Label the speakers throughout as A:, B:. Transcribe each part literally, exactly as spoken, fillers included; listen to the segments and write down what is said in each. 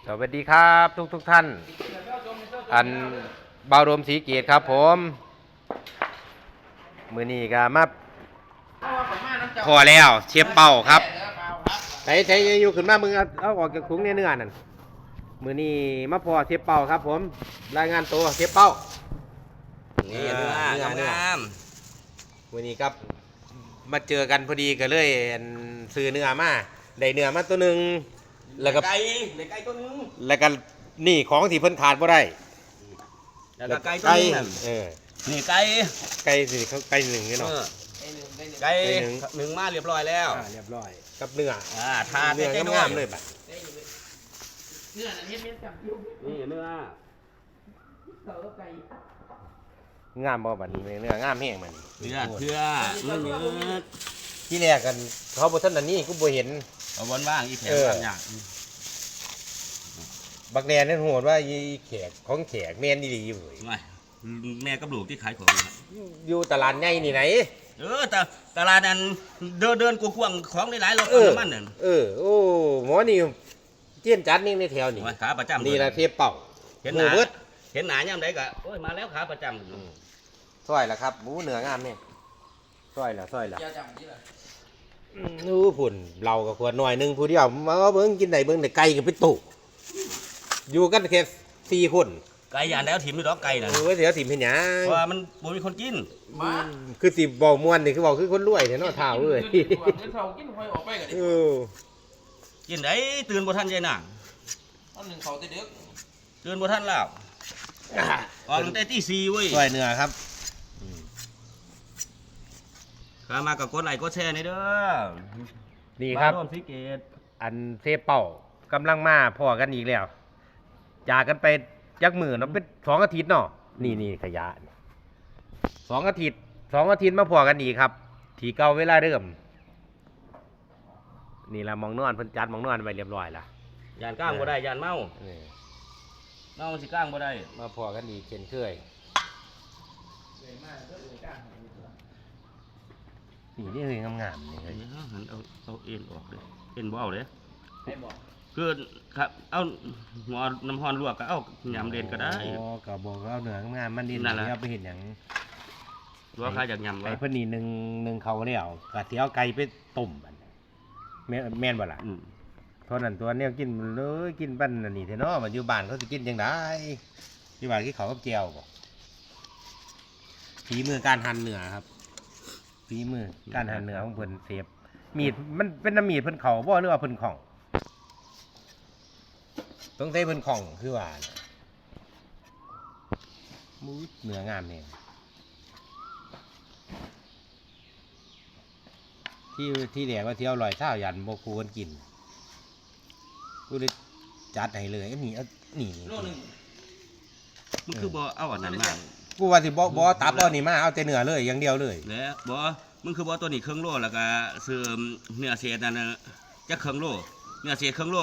A: วัสดีครับทุกทุกท่านอันเบารมศรีเกียรติครับผมมือนี้ก็มาพอแล้วเชฟเป่าครับใช้ใช้อยู่ขึ้นมามึงเอาเอาออกจากถุงเนื้อนั่นมือนี้มาพอเชฟเป่าครับผมรายงานตัวเชฟเป่านี่เนื้อเนื้อเนื้อมือนี้ครับมาเจอกันพอดีก็เลยซื้อเนื้อมาได้เนื้อมาตัวหนึ่งแล้วก็
B: ไก่ไก่ตัวนึง
A: แล้วก็นี่ของที่เพิ่นขาดบ่ได้
B: แล้วก็ไก่ตัวนึง
A: เออ
B: นี่ไก่
A: ไก่สิเขาไก่หนึ่งนี่เนาะ
B: ไก่หนึ่งมาเรียบร้อยแล้ว
A: เรียบร้อยกับเนื้อ
B: อ่าทา
A: เนื้องามๆเลยบัด
B: เนื้ออันนี้เม็ดจับอยู่นี่เนื้อเต่ากับไก่
A: งามบ่บัดนี้เนื้องามแฮงมัน
B: เนื้อเพื่อเนื้อเนื้อ
A: ที่แรกกันเขาบ่ทันอันนี้กูบ่เห็น
B: เอาบนว่างอีแขกบางอย่าง
A: บักแดนนั่นโหดว่าอีแขกของแขกแม่นดีๆอยู่เว้ย
B: แม่กับลูกที่ขายของ
A: อยู่ตลาดใหญ่นี่ไหน
B: เออแต่ตลาดนั้นเดินเดินกว้างๆของหลายๆรถน้ำมันนั่น
A: เออโอ้หมอนี่เจี้ยนจัดนี่ในแถวนี่
B: ขาประจำ
A: นี่ล่ะเทปเป่า
B: เห็นหน้าเห็นหน้ายามใดก็โอ้ยมาแล้วขาประจำ
A: ซอยล่ะครับหมูเนื้องามนี่ซอยล่ะซอยล่ะนู้ผุ่นเราก็ควรหน่อยนึงผู้เดียวมาเบิ่งกินได้เบิ่งได้ไก่กับพี่ตู่อยู่กันแค่สี่คน
B: ไก่ย่างแล้วถิ่มด้วยดอกไก่น่ะ
A: เออเสียถิ่มเห็นหยัง
B: เพราะว่ามันบ่มีคนกิน
A: มาคือสิบ่ม่วนนี่คือบอกคือคนรวยแท้เนาะท้าวเอ้ยเออ
B: กินได้ตื่นบ่ทันยายนาง
C: ตอนหนึ่งเขาจะดึก
B: ตื่นบ่ทันแล้วออกตั้งแต่ตีสี่เว้ย
A: ซอยเนื้อครับ
B: ข้ามากับกดไลค์กดแชร์นี่เด้อ
A: นี่ครับ
B: ร่วมสีเกต
A: อันเซเป่ากำลังมาพอกันอีกแล้วจากกันไปยักมือเนาะเป็นสองอาทิตย์เนาะนี่นี่ขยะสองอาทิตย์สองอาทิตย์มาพอกันอีกครับทีเก่าเวลาเดิมนี่ละมองนอนเพิ่นจัดมองนอนไปเรียบร้อยละ
B: ยานก้างบ่ได้ยานเมาเมาสิก้างบ่ได้
A: มาพอกันอีกเช่นเคยนี่นี่คืองามๆนี่เลย
B: หันเอาเอาเอ็นออกเลยเอ็นบ่เอาเลยคือครับเอาหัวน้ำฮอนลวกก็เอายำเด่นก็ได้
A: อ๋อก็บอกเอาเนื้องามมันดีนั่นแหละไปเห็นอย่าง
B: ลวกข้าวจากยำ
A: ไก่เพิ่นนี่หนึ่งหนึ่งเขาเนี่ยกะเทียวไก่ไปต้มแม่แม่นบ่ล่ะเท่านั้นตัวเนี้ยกินเลยกินปั้นอันนี้เถอะเนาะมันอยู่บ้านเขาสิกินจังได๋อยู่บ้านที่เขากับแก้วบ่ฝีมือการหั่นเนื้อครับฝีมือการหั่นเนื้อของเพิ่นเซฟมีดมันเป็นน้ำมีดเพิ่นเขาบ่หรือว่าเพิ่นของต้องใช้เพิ่นของคือว่ามูเนื้องามแน่ที่ที่แดกว่าเที่ยวลอยเท้ายันบ่คูนกินกูเลยจัดให้เลยอันนี้นี่นี่
B: มันคือบ่เอาอันนั้นมา
A: กูว่าสิบ่บ่ตับเอานี่มาเอาแต่เนื้อเลยอย่างเดียวเลย
B: แล้วบ่มึงคือบ่ตัวนี้ครึ่งโลแล้วก็ซื้อเนื้อเศษนั่นน่ะจักครึ่งโลเนื้อเศษครึ่งโล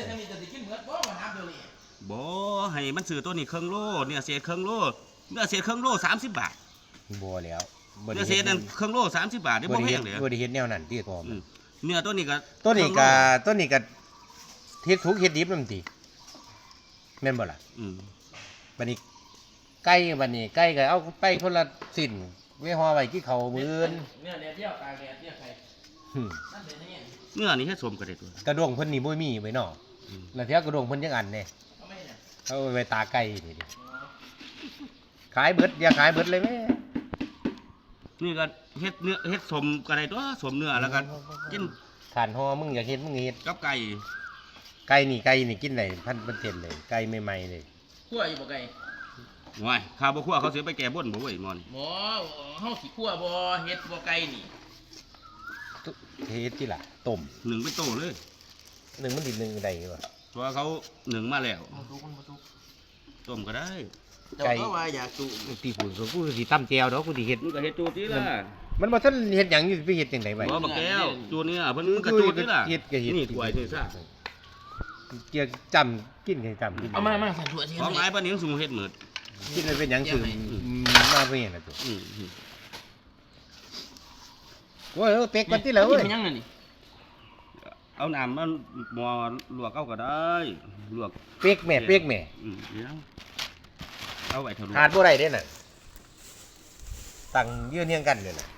B: บ่ให้มันซื้อตัวนี้ครึ่งโลเนื้อเศษครึ่งโลเนื้อเศษครึ่งโลสามสิบบาท
A: บ่แล้ว
B: เนื้อเศษนั่นครึ่งโลสามสิบบาทได้บ่แพงเลย
A: บ่ได้เฮ็ดแนวนั้นติตัวมัน
B: เนื้อตัวนี้ก็
A: ตัวนี้ก็ตัวนี้ก็เฮ็ดทุกเฮ็ดดิบนำติแม่นบ่ล่ะอืมบัดนี้ไก่บัดนี้ไก่ก็เอาไปคนละสิ้นไว้ห่อไว้กินข้าวมื้ออื่น
C: เนื้อแดดเดียวตากแดดเดียวไข่นั่นเป็นยังไง
B: เนื้อนี่เฮ็ดสมก็ได้ตัว
A: กระด้งเพิ่นนี่บ่มีไว้เนาะแล้วเที่ยวกระด้งเพิ่นจังอันแน่เอาไว้ตาไก่นี่ดิขายเบิดอย่าขายเบิดเลยแม่
B: นี่ก็เฮ็ดเนื้อเฮ็ดสมก็ได้ตัวสมเนื้อแล้วก็กิน
A: ถ่านห่อมึงอยากเฮ็ดมึงเฮ็ด
B: กับไก่
A: ไก่นี่ไก่นี่กินได้พันเปอร์เซ็นต์เลยไก่ใหม่ๆเลย
C: คั่วอยู่บ่ไก่
B: ว้ายข้าวบ่คั่วเขาสิไปแก้บนบ่เว้ยมอน
C: บ่เฮาสิคั่วบ่เฮ็ดบ่ไก่นี่
A: เฮ็ดที่ล่ะต้ม
B: หนึ่งเป็นโตเลย
A: หนึ่งมันดิหนึ่งได้บ่
B: เพราะเขาหนึ่งมาแล้วต้มก็ได้
C: ไก่ก็ว่าอยากจุ
A: ตีฝุ่นกูสิตำแจ่วดอกกูสิเฮ็ด
B: มึงก็เฮ็ดจูติล่ะ
A: มันบ่ทันเฮ็ดหยังอยู่ไปเฮ็ดจังได๋ไว้
B: บ่บักแก้วจูนี่อ่ะเพิ่นก็จูติล่ะ
A: เฮ็ดก็เฮ็ด
B: นี่ถ้วยนี่ซะ
A: เกี่ยวจำกินให้จำกิน
C: เอามามาใส่ถ้วยสิ
B: ของหลายปานนี้สูงเฮ็ดหมด
A: กินแล้วเป็นหยังคือมาเพิ่นน่ะตัวโอ้ยเป็กก่อนติแล้วเว้ย
C: กินยังนั่นนี่
B: เอาน้ำมันหมอลวกเอาก็ได้ลวก
A: เปียกแม่เปียกแม่
B: อืมเดี๋ยวเอาไว้เท่า
A: ขาดบ่ได้เด้น่ะตั้งยืนเรียงกันเลยน่ะ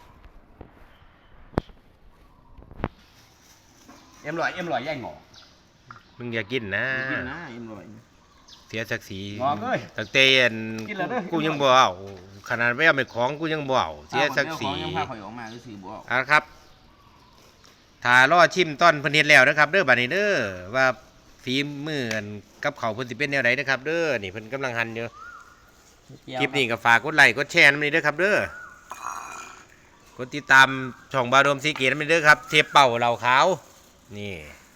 A: เอ็มลอยเอ็มลอยย่ายหงอมึงอย่ากินนะ
B: กินนะเอ็มร้อย
A: เสียศักดิ์ศรี
B: หงอเอ้ย
A: ตั้งแต่อัน
B: กินแล้วเด้อ
A: กูยังบ่เอาขนาดไม่เอาไปของกูยังบ่เอาเสียศักดิ์ศรี
B: เอาของยังพาข่อยออกมาคือสิบ่เอา
A: เอ่ะครับถ้ารอชิมต้นเพิ่นเฮ็ดแล้วนะครับเด้อบัดนี้เด้อว่าฝีมืออันกับเขาวเพิ่นสิเป็นแนวใดนะครับเด้อนี่เพิ่นกำลังหั่นอยู่คลิปนี้ก็ฝากกดไลค์กดแชร์นำนี้เด้อครับเด้อกดติดตามช่องบาโดมสีเกตนำนี้เด้อครับเทปเป่าเหล่าขาวนี่